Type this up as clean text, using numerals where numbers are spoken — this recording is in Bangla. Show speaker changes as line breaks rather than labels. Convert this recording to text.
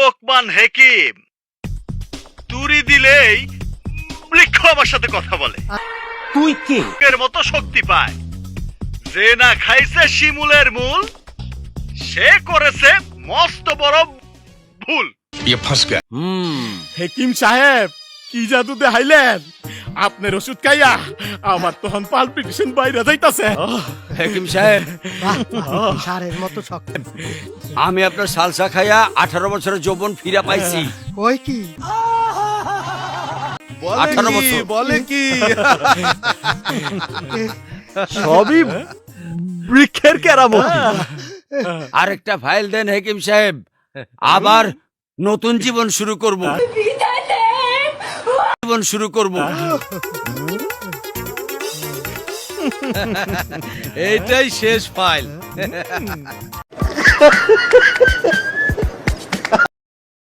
লোকমান হেকিম তুরি দিলেই বৃক্ষ আমার সাথে কথা বলে।
তুই কে?
এর মতো শক্তি পায়। যে না খাইছে শিমুলের মূল, সে করেছে মস্ত বড় ভুল।
হেকিম সাহেব কি জাদু দেখাইলেন? আপনার ওষুধ খাইয়া আমার তখন পালপিটেশন বাইরে যাইতাছে।
হেকিম সাহেব,
সারের মতো শক্ত।
আমি আপনার সালসা খাইয়া 18 বছরের যৌবন ফিরে পাইছি।
ওই কি
18 বছর।
বলে কি
সবই বৃক্ষের কেরামতি।
আরেকটা ফাইল দেন হেকিম সাহেব, আবার নতুন জীবন শুরু করব। জীবন শুরু করব।
এইটাই শেষ ফাইল।